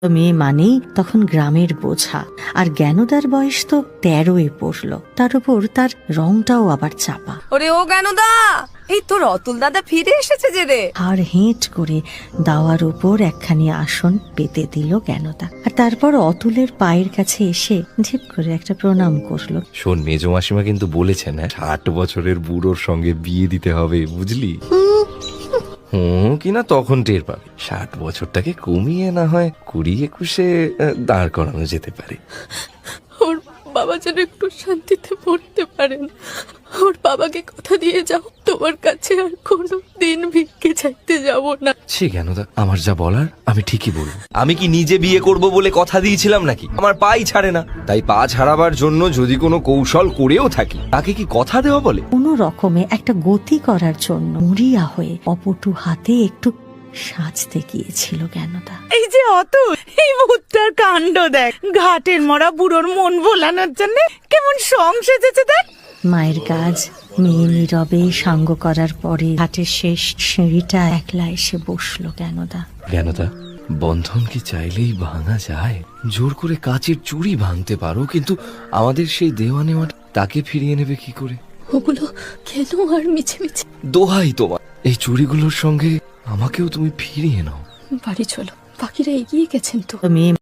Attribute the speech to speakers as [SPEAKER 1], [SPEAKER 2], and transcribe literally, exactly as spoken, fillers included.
[SPEAKER 1] মেয়ে মানেই তখন গ্রামের বোঝা, আর জ্ঞানদার বয়স তো তেরোয় পড়লো, তার উপর তার রংটাও আবার চাপা।
[SPEAKER 2] ওরে ও জ্ঞানদা, এই তোর অতুল দাদা ফিরে এসেছে যে রে।
[SPEAKER 1] আর হেঁট করে দাওয়ার উপর একখানি আসন পেতে দিল জ্ঞানদা, আর তারপর অতুলের পায়ের কাছে এসে ঝিপ করে একটা প্রণাম করলো।
[SPEAKER 3] শোন, মেজো মাসিমা কিন্তু বলেছেন হ্যাঁ, ষাট বছরের বুড়োর সঙ্গে বিয়ে দিতে হবে, বুঝলি? হুম কিনা তখন টের পাবে। ষাট বছরটাকে কমিয়ে না হয় কুড়ি একুশে আহ, দাঁড় করানো যেতে পারে।
[SPEAKER 4] ওর বাবা যেন একটু শান্তিতে পড়তে পারেন। ওর বাবাকে কথা দিয়ে যাও, তোমার কাছে আর কোনো দিন ভিক্ষে চাইতে যাব না।
[SPEAKER 3] সে কেন দা, আমার যা বলার আমি ঠিকই বলবো। আমি কি নিজে বিয়ে করব বলে কথা দিয়েছিলাম নাকি? আমার পাই ছাড়ে না, তাই পা ছাড়াবার জন্য যদি কোনো কৌশল করেও থাকি, তাকে কি কথা দেওয়া বলে?
[SPEAKER 1] কোনো রকমে একটা গতি করার জন্য মরিয়া হয়ে অপটু হাতে একটু সাজতে গিয়েছিল জ্ঞানদা।
[SPEAKER 5] এই যে অতুল, এই ভূতটার কাণ্ড দেখ, ঘাটের মরা বুড়োর মন ভোলানোর জন্য কেমন সং সেজেছে দেখ।
[SPEAKER 1] মায়ের কাজ মেয়ে নীরবে সাঙ্গ করার পরে ঘাটের শেষ সিঁড়িটা একলা এসে বসলো জ্ঞানদা।
[SPEAKER 3] জ্ঞানদা, বন্ধন কি চাইলেই ভাঙা যায়? জোর করে কাচের চুড়ি ভাঙতে পারো, কিন্তু আমাদের সেই দেওয়া নেওয়া তাকে ফিরিয়ে নেবে কি করে?
[SPEAKER 4] ওগুলো কেন আর মিছে মিছে?
[SPEAKER 3] দোহাই তোমার, এই চুড়িগুলোর সঙ্গে আমাকেও তুমি ফিরিয়ে নাও।
[SPEAKER 4] বাড়ি চলো, বাকিরা এগিয়ে গেছেন তো।
[SPEAKER 1] মেয়ে